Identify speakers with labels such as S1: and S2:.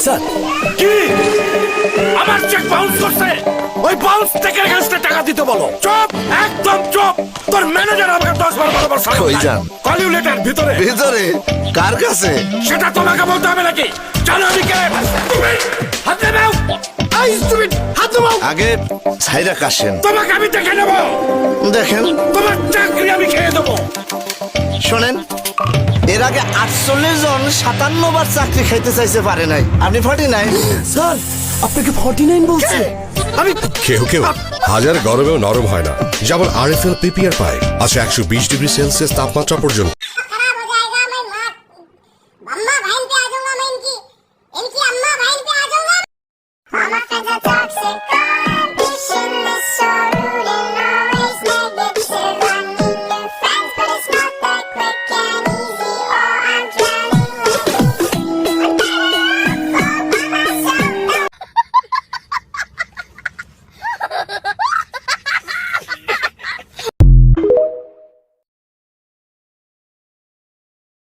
S1: Sir
S2: কি আমার cheque bounce করছে? ওই বাউন্স চেকের এগেইনস্টে টাকা দিতে বলো। চুপ, একদম চুপ। তোর ম্যানেজার আমাকে 10 বার বরাবর সামনে
S3: কই যান?
S2: কলিউ লেটার ভিতরে।
S3: ভিতরে কার কাছে?
S2: সেটা তোমাকে বলতে হবে নাকি? জানো আমি কে? তুমি হাত দেবাও। আই তুমি হাত দেবাও।
S3: আগে ছাইরা কাশেন।
S2: তোমাকে আমি দেখে নেবো।
S3: দেখেন,
S2: তোমার চাকরি আমি খেয়ে দেবো।
S3: শোনেন, এর আগে 48 জন 57 বার চাকরি খাইতে চাইছে, পারে নাই। আপনি 49।
S1: স্যার আপনাকে 49 বলছে।
S2: আমি
S4: কেউ কেউ হাজার গরমেও নরম হয় না, যেমন RFL PPR পায় আছে 120 ডিগ্রি সেলসিয়াস তাপমাত্রা পর্যন্ত।